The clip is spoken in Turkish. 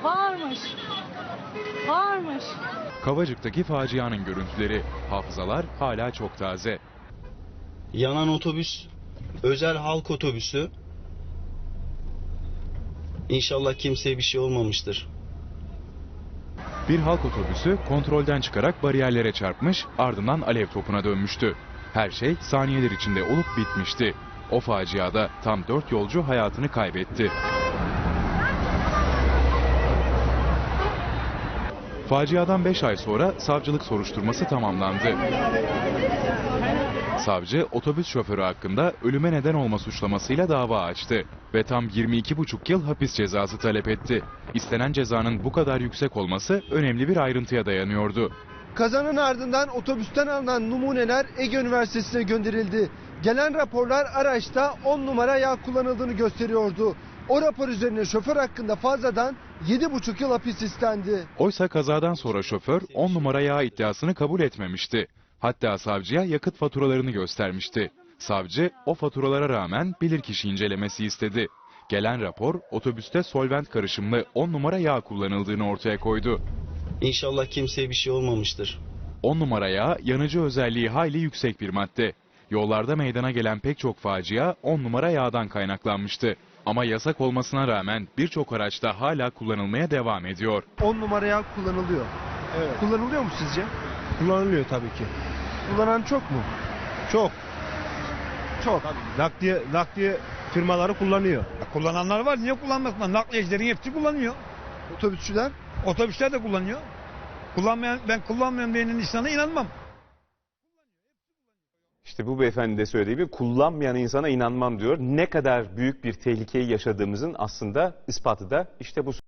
Varmış. Varmış. Kavacık'taki facianın görüntüleri, hafızalar hala çok taze. Yanan otobüs, özel halk otobüsü. İnşallah kimseye bir şey olmamıştır. Bir halk otobüsü kontrolden çıkarak bariyerlere çarpmış, ardından alev topuna dönmüştü. Her şey saniyeler içinde olup bitmişti. O faciada tam 4 yolcu hayatını kaybetti. Faciadan 5 ay sonra savcılık soruşturması tamamlandı. Savcı, otobüs şoförü hakkında ölüme neden olma suçlamasıyla dava açtı ve tam 22,5 yıl hapis cezası talep etti. İstenen cezanın bu kadar yüksek olması önemli bir ayrıntıya dayanıyordu. Kazanın ardından otobüsten alınan numuneler Ege Üniversitesi'ne gönderildi. Gelen raporlar araçta 10 numara yağ kullanıldığını gösteriyordu. O rapor üzerine şoför hakkında fazladan 7,5 yıl hapis istendi. Oysa kazadan sonra şoför 10 numara yağ iddiasını kabul etmemişti. Hatta savcıya yakıt faturalarını göstermişti. Savcı o faturalara rağmen bilirkişi incelemesi istedi. Gelen rapor otobüste solvent karışımlı 10 numara yağ kullanıldığını ortaya koydu. İnşallah kimseye bir şey olmamıştır. 10 numara yağ yanıcı özelliği hayli yüksek bir madde. Yollarda meydana gelen pek çok facia 10 numara yağdan kaynaklanmıştı. Ama yasak olmasına rağmen birçok araçta hala kullanılmaya devam ediyor. 10 numara yağ kullanılıyor. Evet. Kullanılıyor mu sizce? Kullanılıyor tabii ki. Kullanan çok mu? Çok. Çok. Nakliye firmaları kullanıyor. Kullananlar var. Niye kullanmasınlar? Nakliyecilerin hepsi kullanıyor. Otobüsçüler? Otobüsler de kullanıyor. Ben kullanmayan birinin insana inanmam. İşte bu beyefendi de söylediği gibi kullanmayan insana inanmam diyor. Ne kadar büyük bir tehlikeyi yaşadığımızın aslında ispatı da işte bu.